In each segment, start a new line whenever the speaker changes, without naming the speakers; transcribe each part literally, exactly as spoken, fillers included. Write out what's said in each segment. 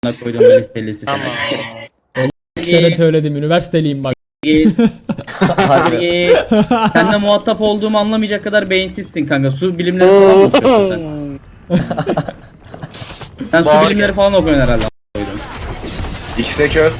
Bana koydum ben listelisi
Tamam.
seni.
Bir kere söyledim, üniversiteliyim bak.
Git. Git. Seninle muhatap olduğumu anlamayacak kadar beyinsizsin kanka. Su bilimleri falan mı okuyorsun sen? Sen su
Bağır
bilimleri
gel.
falan okuyorsun herhalde.
İkisi de kör.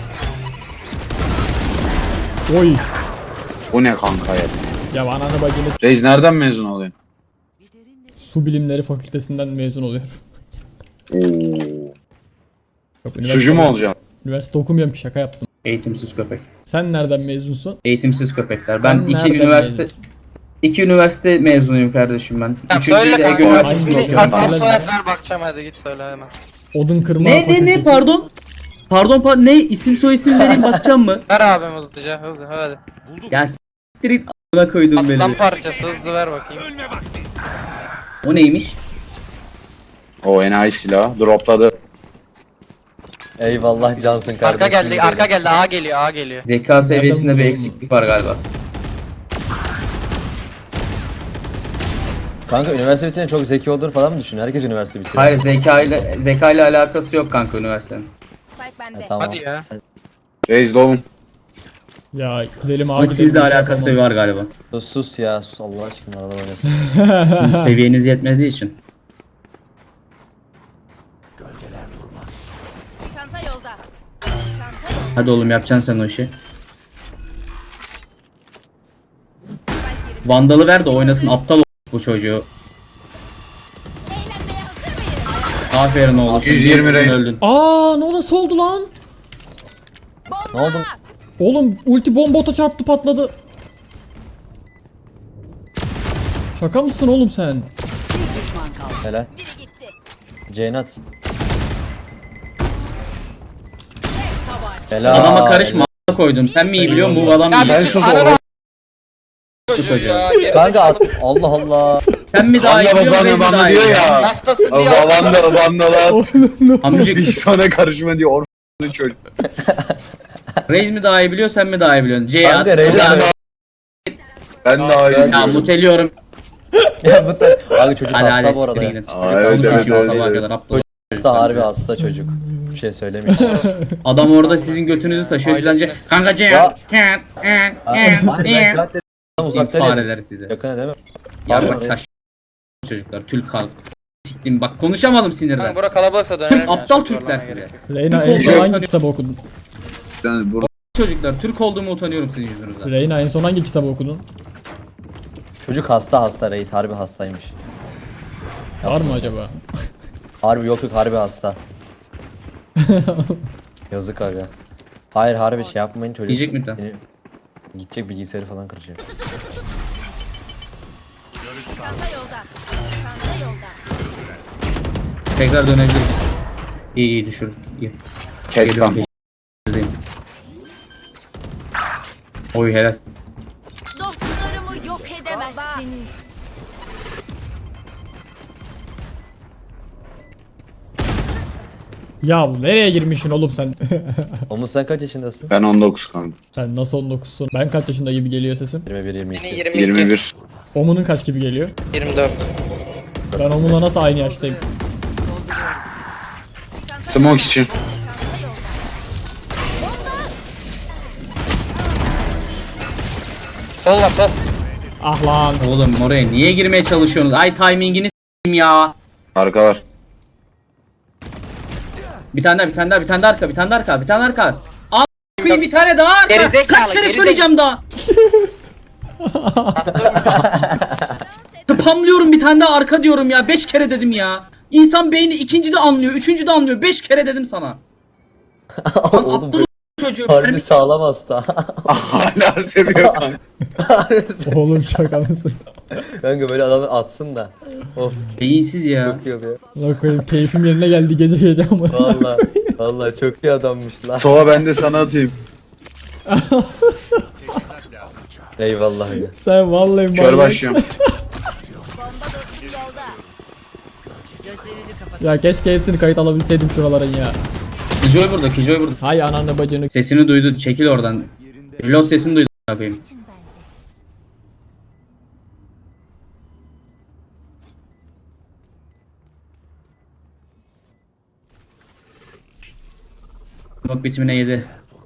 Oy.
Bu ne kanka ya?
Ya ananı bacını
Reis nereden mezun oluyorsun?
su bilimleri fakültesinden mezun oluyor.
Oo.
Yok,
Sucu mu olacaksın?
Üniversite okumuyorum ki, şaka yaptım.
Eğitimsiz köpek.
Sen nereden mezunsun?
Eğitimsiz köpekler. Ben
Sen
iki
nereden
üniversite
mezunsun?
iki üniversite mezunuyum kardeşim ben.
Tamam
Üçüncüyü
söyle
de Ege
kanka.
Üniversitesi'nde
Hangi
İsmini
okuyorum.
okul?
ad soyad ver bakacağım, hadi git söyle hemen.
Odun kırma
Ne ne
fakültesi.
ne pardon? Pardon pardon ne isim soy isim vereyim bakacağım mı?
Ver abim hızlıca hızlı hadi.
Ya s**tir it a**ına koydum
Aslan
beni.
parçası hızlı ver bakayım.
O neymiş?
O enayi silahı. Dropladı.
Eyvallah cansın kardeşim.
Arka geldi arka geldi A geliyor A geliyor.
Zeka seviyesinde bir
buldun
eksiklik var galiba.
Kanka üniversite bitirince çok zeki olur falan mı düşünüyor? Herkes üniversite bitiriyor.
Hayır zeka ile zeka ile alakası yok kanka üniversitenin.
Spike bende.
Ha, tamam.
Hadi ya.
Reis doğum.
Ya güzelim
Ama
ağacı.
sizle alakası var galiba.
Sus, sus ya sus Allah aşkına adam oynasın.
Seviyeniz yetmediği için.
Çanta yolda. Çanta yolda.
Hadi oğlum yapacaksın sen o işi.
Spike yerinde.
Vandalı ver de oynasın aptal o- bu çocuğu.
Eğlenmeye hazır mıyız?
Aferin oğlum.
yüz yirmi
Öldün,
renk.
öldün.
Aa, ne nasıl oldu lan?
Bomba!
Ne oldu?
Oğlum ulti bombota çarptı, patladı. Şaka mısın oğlum sen?
Helal.
Biri gitti.
Ceynat. Helal.
Adama karışma a**a koydum. Sen mi iyi biliyorsun bu adam
Ya
mı?
Sen
bir
sus
sus
oğlum.
ananı
Sus
çocuğu
hocam.
ya.
Helal. Kanka at- Allah Allah.
Sen mi daha iyi
Kanka
biliyorsun ben
bana
mi
bana
daha iyi
diyor
biliyorum?
ya.
Hastasın diye.
Vandal vandal at.
Amcık
Bir sana karışma diyor. Orfanın çocuk.
Reis mi daha iyi biliyor sen mi daha iyi biliyorsun? C
Kanka
at.
Reyna
Ya,
söyle.
Ben daha iyi
ya
biliyorum.
muteliyorum.
Ya bu da. Kanka çocuk
Hadi
hasta
hadi
bu arada.
siktir gidin.
Aa, evet,
Çocuk
evet,
konuşuyor
evet,
sabaha
evet.
kadar aptal.
Hasta harbi hasta çocuk. Bir şey söylemiyor.
Adam orada sizin götünüzü taşıyor. Sizden C.
Ailesiniz.
Kanka C
Ya.
at.
Tam uzakta değil.
Fareler size.
Yakına değil mi?
Yarrak taş çocuklar. Tül kalk. Siktim bak konuşamadım sinirden.
Kanka bura kalabalıksa dönelim ya.
Aptal
çok
Türkler
zorlamaya
size.
gerek yok.
Reyna en son hangi kitabı okudun?
Yani burada
Çocuklar Türk olduğumu utanıyorum sizin yüzünüzden.
Reyna en son hangi kitabı okudun?
Çocuk hasta hasta reis harbi hastaymış.
Var mı acaba?
Harbi yok yok harbi hasta. Yazık aga. Hayır harbi şey yapmayın çocuk.
Diyecek mi tam?
Beni- Gidecek bilgisayarı falan kıracak.
Çanta yolda. Çanta yolda.
Tekrar dönebiliriz. İyi iyi düşür. İyi.
kes lan.
Geliyorum, Oy helal.
Dostlarımı yok edemezsiniz.
Ya nereye girmişsin oğlum sen?
Oğlum sen kaç yaşındasın?
Ben on dokuz kanka.
Sen nasıl on dokuzsun? Ben kaç yaşında gibi geliyor sesim?
yirmi bir yirmi iki.
Beni yirmi iki.
yirmi bir.
Omun'un kaç gibi geliyor?
yirmi dört.
Ben Omun'la nasıl aynı yaştayım?
Smoke için.
Çanta yolda.
Sol var sol.
Ah lan.
Oğlum oraya niye girmeye çalışıyorsunuz? Ay timingini s**eyim ya.
Arka var.
Bir tane daha bir tane daha bir tane daha arka bir tane daha arka bir tane daha arka. Al koyayım bir tane daha arka.
Gerizekalı,
Kaç kere
gerizekalı.
söyleyeceğim daha. Spamlıyorum bir tane daha arka diyorum ya. Beş kere dedim ya. İnsan beyni ikinci de anlıyor, üçüncü de anlıyor. Beş kere dedim sana. Lan
Oğlum
aptal çocuğu.
harbi sağlam hasta.
Hala seviyor kanka.
Oğlum şaka mısın?
Kanka böyle adamı atsın da. Of
Beyinsiz ya.
çok iyi oluyor.
Lan koyayım, keyfim yerine geldi gece gece ama.
Valla valla çok iyi adammış lan.
Sova ben de sana atayım.
Eyvallah ya.
Sen vallahi
Kör
manyak.
başlıyorum.
Bomba dostum yolda. Gözlerini kapat.
Ya keşke hepsini kayıt alabilseydim şuraların ya.
Kijoy burada, Kijoy burada.
Hay ananı bacını.
Sesini duydu, çekil oradan. Reload sesini duydu. Yapayım.
Bence.
Bak bitimine yedi.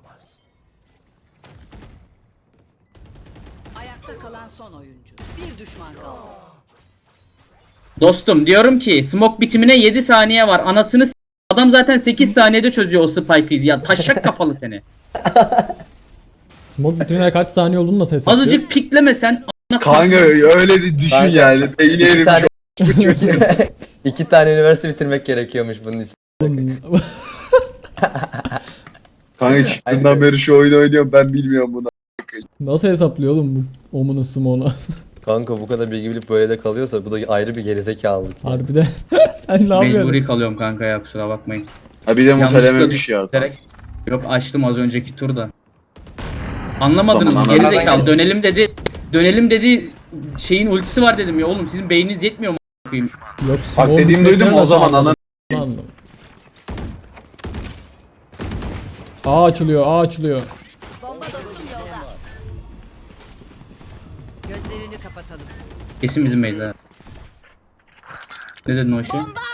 Ayakta kalan son oyuncu. Bir düşman kaldı.
Dostum diyorum ki smoke bitimine yedi saniye var. Anasını s- adam zaten sekiz saniyede çözüyor o spike'ı. Ya taşak kafalı seni.
Smoke bitimine kaç saniye olduğunu nasıl hesaplıyorsun?
Azıcık piklemesen a**ına
Kanka öyle de düşün
Kanka,
yani. Beyni
İki
erimiş.
tane, iki tane üniversite bitirmek gerekiyormuş bunun için.
Kanka çıktığından beri şu oyunu oynuyorum ben bilmiyorum bunu.
Nasıl hesaplıyor oğlum bu Omen'ın smoke'unu?
Kanka bu kadar bilgi bilip böyle de kalıyorsa bu da ayrı bir gerizekalılık. Yani.
Harbiden. Sen ne yapıyorsun?
Mecburi kalıyorum kanka ya kusura bakmayın.
Ha bir de
Yanlışlıkla
mutelememiş ya.
düşürerek- Yok açtım az önceki turda. Anlamadınız mı?
Tamam,
Gerizekalı
anladım.
dönelim dedi. Dönelim dedi. Şeyin ultisi var dedim ya oğlum sizin beyniniz yetmiyor mu a**ayım?
Yok
Bak
smoke'un
dediğim
bitmesine
duydum o
nasıl
zaman
anladın?
ana.
Anladım. A açılıyor, A açılıyor.
Bomba dostum yolda. Gözlerini kapatalım.
Kesin bizim beyler. Ne dedin o işi?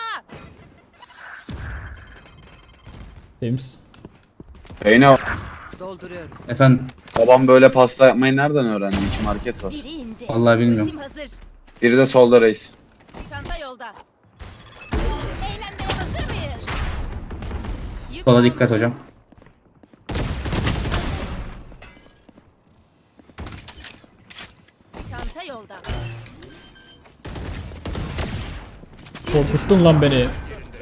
Temiz.
Beyne
Dolduruyorum.
Efendim
babam böyle pasta yapmayı nereden öğrendi? İki market var.
Biri indi.
vallahi bilmiyorum.
Ultim hazır.
Biri de solda reis.
Çanta yolda. Eğlenmeye hazır mıyız? Yük
Sola
bomba.
dikkat hocam.
Çanta yolda.
Korkuttun lan beni.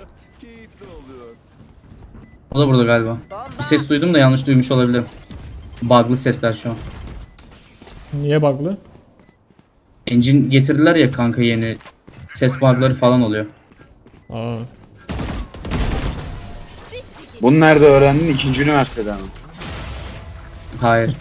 O da burada galiba. Bir ses duydum da yanlış duymuş olabilirim. Bug'lı sesler şu an.
Niye bug'lı?
Engine getirdiler ya kanka yeni. Ses bug'ları falan oluyor.
Aa.
Bunu nerede öğrendin? İkinci üniversitede mi?
Hayır.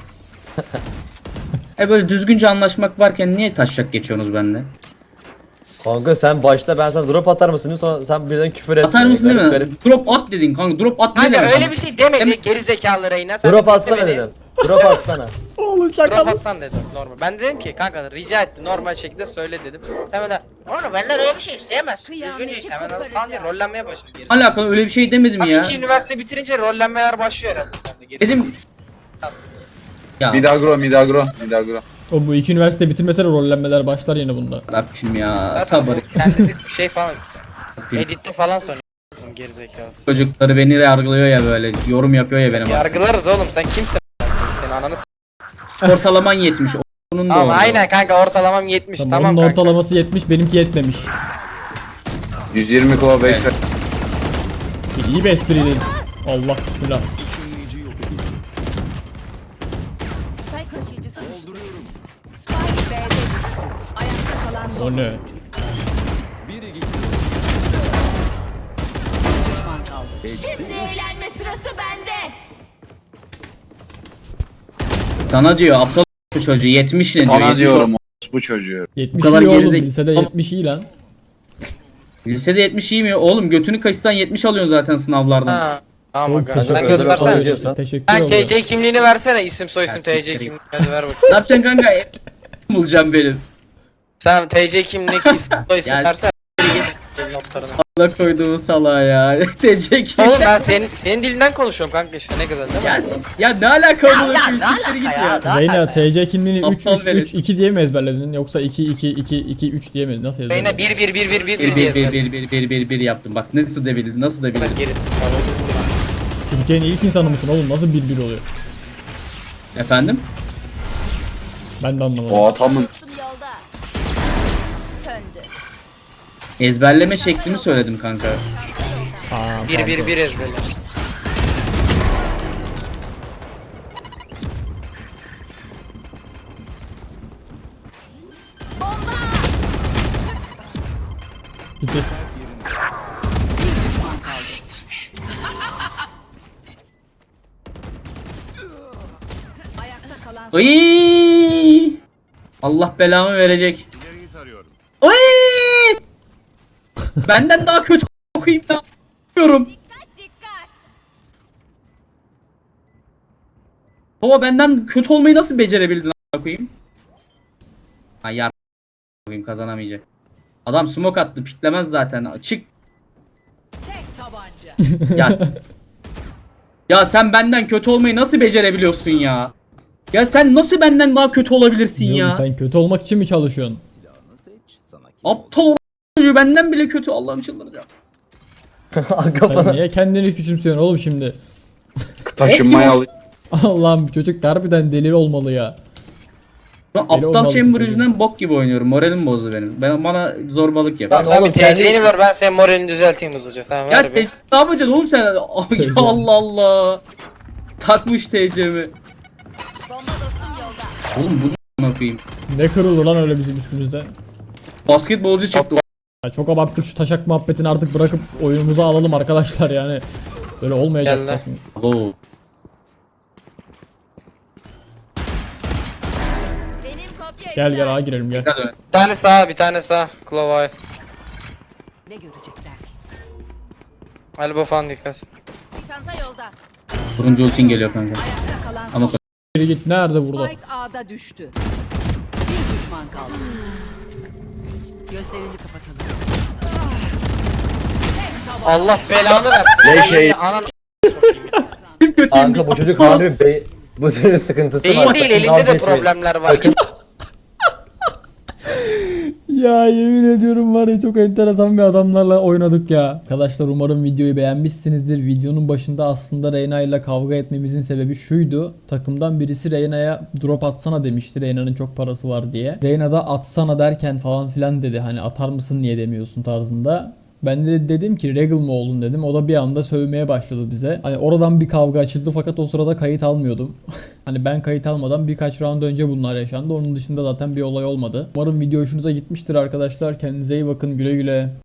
E böyle düzgünce anlaşmak varken niye taşak geçiyorsunuz bende?
Kanka sen başta ben sana drop atar mısın sonra sen birden küfür et.
Atar mısın değil
Garip
mi?
garip.
Drop at dedin kanka. Drop at ne
Kanka
demek?
öyle bir şey demedi
Demek-
gerizekalı Reyna. Sen
Drop
de
atsana
demedi.
dedim. Drop atsana.
Oğlum
Drop
şaka.
atsan dedim normal. Ben dedim ki kanka rica etti normal şekilde söyle dedim. Sen böyle oğlum benden öyle bir şey isteyemez. Düzgün
Kıyameti
işte hemen falan diye
koparacağım.
rollenmeye başladı gerizekalı.
Alakalı öyle bir şey demedim
Abi
ya.
iki üniversite bitirince rollenmeler başlıyor herhalde sende. Geri
Dedim
hastası.
ya
Midagro, Midagro, Midagro.
O bu iki üniversite bitirmese de rollenmeler başlar yine bunda.
Rabbim ya
Zaten
sabır.
Kendisi şey falan
Rabbim.
editte falan sanıyor. Gerizekalısı.
Çocukları beni yargılıyor ya böyle yorum yapıyor ya benim.
Yargılarız oğlum sen kimsin? Senin ananı s-
Ortalaman yetmiş. Onun da
Tamam
oldu.
aynen kanka ortalamam yetmiş
Tamam,
tamam,
onun
kanka.
ortalaması yetmiş, benimki yetmemiş.
yüz yirmi kova beş.
Evet.
İyi bir espriydi. Allah bismillah.
Spike taşıyıcısı düştü. Spike B'de düştü. Ayakta kalan son
O ne?
düşman kaldı. Şimdi eğlenme sırası bende.
Sana diyor aptal bu çocuğu yetmiş ne diyor.
Sana
yetmiş
diyorum o bu çocuğu.
yetmiş
kadar
iyi oğlum.
gerizek-
Lisede yetmiş iyi lan.
Lisede yetmiş iyi mi? Oğlum götünü kaçırsan yetmiş alıyorsun zaten sınavlardan.
Ha. Tamam
Oğlum,
aga.
teşekkür
Sen
ederim.
göstersene.
Özel diyorsan.
Teşekkür
Sen
ederim.
T C kimliğini versene isim soy isim T C
Teşekkür
kimliğini hadi ver bakayım.
Ne yapacaksın kanka? bulacağım benim.
Sen T C kimlik isim soy isim
Yani-
versene. Notlarını.
Allah koyduğumu salağa ya. T C kim?
Oğlum ben senin senin dilinden konuşuyorum kanka işte ne güzel değil mi?
Ya, ya ne alaka bunu?
ya, ne
Siktir git
alaka
ya.
ya?
Reyna T C kimliğini üç
Aptal
üç
velet.
üç iki diye mi ezberledin yoksa iki iki iki iki üç diye mi? Nasıl ezberledin?
Beyne bir bir bir bir bir
Bir
bir diye
bir bir
ezberledim.
bir bir bir bir bir yaptım. Bak nasıl da bildin, nasıl da bildin.
Geri.
Türkiye'nin ilk insanı mısın oğlum? Nasıl bir bir oluyor?
Efendim?
Ben de anlamadım.
O atamın
Dostum yolda. Söndü.
Ezberleme şeklini söyledim kanka.
Aa,
Bir bir bir ezberle.
gitti.
Ayakta kalan son
Iy! Allah belamı verecek. Oy! Benden daha kötü okuyayım ya. Bilmiyorum.
dikkat.
Baba benden kötü olmayı nasıl becerebildin a**a koyayım? Ha yar koyayım kazanamayacak. Adam smoke attı piklemez zaten. Çık
Tek tabanca.
ya. Ya sen benden kötü olmayı nasıl becerebiliyorsun ya? Ya sen nasıl benden daha kötü olabilirsin
Oğlum
ya?
sen kötü olmak için mi çalışıyorsun?
Aptal o benden bile kötü, Allah'ım çıldıracağım.
Arka
Sen
falan.
niye kendini küçümsüyorsun oğlum şimdi?
Taşınmaya al.
Allah'ım çocuk harbiden deli olmalı ya.
Ben
Deli
aptal
olmalısın
chamber
çocuğum.
yüzünden bok gibi oynuyorum. Moralim bozdu benim. Ben bana zorbalık yap.
Tamam sen
oğlum
bir
kendi-
T C'ni ver ben senin moralini düzelteyim hızlıca. Sen
Ya
ver bir.
te- ne yapacaksın oğlum sen? Ay,
Teyze.
Allah Allah. Takmış T C'mi.
Bomba dostum yolda.
Oğlum bunu ne yapayım?
Ne kırıldı lan öyle bizim üstümüzde?
Basketbolcu çıktı.
Ya çok abarttık şu taşak muhabbetini artık bırakıp oyunumuza alalım arkadaşlar yani. Böyle olmayacak.
Geldi.
Oo.
Benim kopya
Gel
iptal.
gel ağa girelim gel.
Hadi.
Bir tane sağ bir tane sağ. Klovay.
Ne görecekler?
Elbow falan dikkat.
Çanta yolda.
Turuncu ultin geliyor kanka.
Ayakta kalan
Ama
Geri git nerede burada?
Spike A'da düştü. Bir düşman kaldı. Gözlerini kapatalım.
Allah belanı versin.
Ne şey-
Anan
kim kötü?
Kanka bu çocuk harbi be bu çocuğun sıkıntısı
beyin
var.
değil
Sakın
elinde
dalga
de
geçmeyin.
problemler var.
Ya yemin ediyorum var ya çok enteresan bir adamlarla oynadık ya. Arkadaşlar umarım videoyu beğenmişsinizdir. Videonun başında aslında Reyna ile kavga etmemizin sebebi şuydu. Takımdan birisi Reyna'ya drop atsana demişti. Reyna'nın çok parası var diye. Reyna da atsana derken falan filan dedi. Hani atar mısın niye demiyorsun tarzında. Ben de dedim ki Regal mı oldun dedim. O da bir anda sövmeye başladı bize. Hani oradan bir kavga açıldı fakat o sırada kayıt almıyordum. Hani ben kayıt almadan birkaç round önce bunlar yaşandı. Onun dışında zaten bir olay olmadı. Umarım video hoşunuza gitmiştir arkadaşlar. Kendinize iyi bakın. Güle güle.